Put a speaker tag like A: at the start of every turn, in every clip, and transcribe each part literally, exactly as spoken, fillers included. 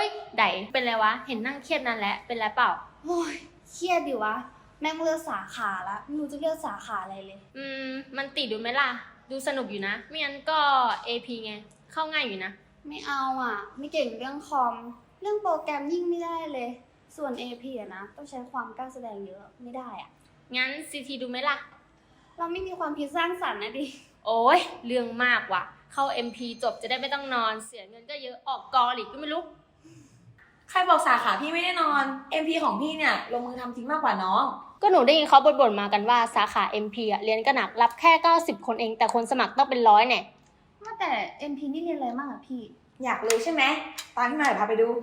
A: ยไดเป็นไรวะเห็นนั่งเครียดนั่นแหละเป็นไรเปล่า
B: โอ้ยเครียดดิวะแม่งเลือกสาขาละไม่รู้จะเลือกสาขาอะไรเลย
A: อืมมันติดดูไหมล่ะดูสนุกอยู่นะไม่งั้นก็ เอ พี ไงเข้าง่ายอยู่นะ
B: ไม่เอาอ่ะไม่เก่งเรื่องคอมเรื่องโปรแกรมยิ่งไม่ได้เลยส่วน เอ พี อะนะต้องใช้ความกล้าแสดงเยอะไม่ได้อ่ะ
A: งั้น ซี ที ดูไหมล่ะ
B: เราไม่มีความคิดสร้างสรรค์นะดิ
A: โอ้ยเรื่องมากว่ะเข้า เอ็ม พี จบจะได้ไม่ต้องนอนเสียเงินก็เยอะออกกอหลีกก็ไม่รู้
C: ใครบอกสาขาพี่ไม่ได้นอน เอ็ม พี ของพี่เนี่ยลงมือทำจริงมากกว่าน้อง
A: ก็หนูได้ยินเขาบ่นๆมากันว่าสาขา เอ็ม พี อ่ะเรียนก็หนักรับแค่เก้าสิบคนเองแต่คนสมัครต้องเป็นร้อยเนี่ย
B: ว่าแต่ เอ็ม พี นี่เรียนอะไรบ้างอะพี่
C: อยากรู้ใช่ไหมตามพี่มาเดี๋ยวพาไปดู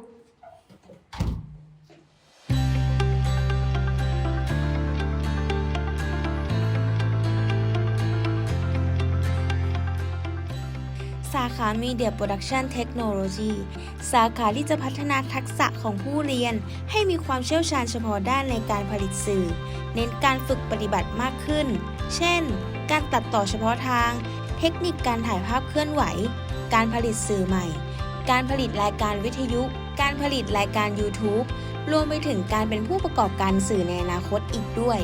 D: สาขา Media Production Technology สาขาที่จะพัฒนาทักษะของผู้เรียนให้มีความเชี่ยวชาญเฉพาะด้านในการผลิตสื่อเน้นการฝึกปฏิบัติมากขึ้นเช่นการตัดต่อเฉพาะทางเทคนิคการถ่ายภาพเคลื่อนไหวการผลิตสื่อใหม่การผลิตรายการวิทยุการผลิตรายการ YouTube รวมไปถึงการเป็นผู้ประกอบการสื่อในอนาคตอีกด้วย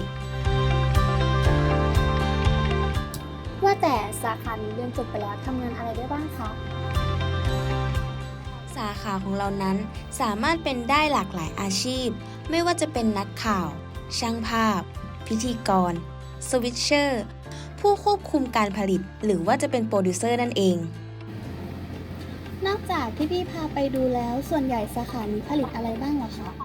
B: ว่าแต่สาขานี้เรียนจบไปแล้วทำงานอะไรได้บ้างคะ
D: สาขาของเรานั้นสามารถเป็นได้หลากหลายอาชีพไม่ว่าจะเป็นนักข่าวช่างภาพพิธีกรสวิตเชอร์ผู้ควบคุมการผลิตหรือว่าจะเป็นโปรดิวเซอร์นั่นเอง
B: นอกจากที่พี่พาไปดูแล้วส่วนใหญ่สาขานี้ผลิตอะไรบ้างเหรอคะ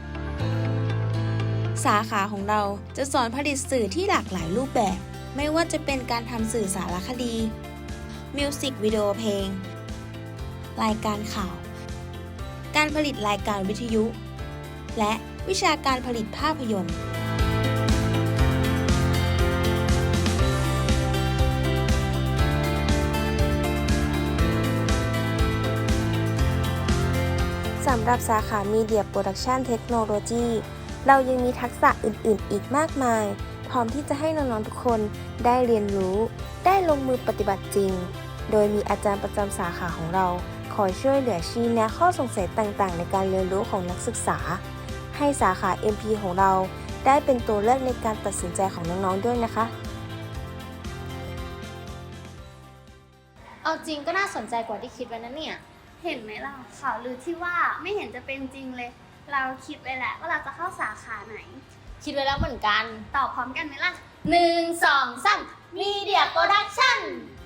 D: สาขาของเราจะสอนผลิตสื่อที่หลากหลายรูปแบบไม่ว่าจะเป็นการทำสื่อสารคดีมิวสิกวิดีโอเพลงรายการข่าวการผลิตรายการวิทยุและวิชาการผลิตภาพยนตร์สำหรับสาขา Media Production Technology เรายังมีทักษะอื่นๆ อีกมากมายพร้อมที่จะให้น้องๆทุกคนได้เรียนรู้ได้ลงมือปฏิบัติจริงโดยมีอาจารย์ประจำสาขาของเราคอยช่วยเหลือชี้แนะข้อสงสัยต่างๆในการเรียนรู้ของนักศึกษาให้สาขา เอ็ม พี ของเราได้เป็นตัวเลือกในการตัดสินใจของน้องๆด้วยนะคะ
A: เอาจริงก็น่าสนใจกว่าที่คิดไว้นะเนี่ย
B: เห็นไหมล่ะข่าวลือที่ว่าไม่เห็นจะเป็นจริงเลยเราคิดไว้แล้วว่าเราจะเข้าสาขาไหน
A: คิดไว้แล้วเหมือนกัน
B: ตอบพร้อมกันไหมล่ะ
A: หนึ่งสองสาม Media Production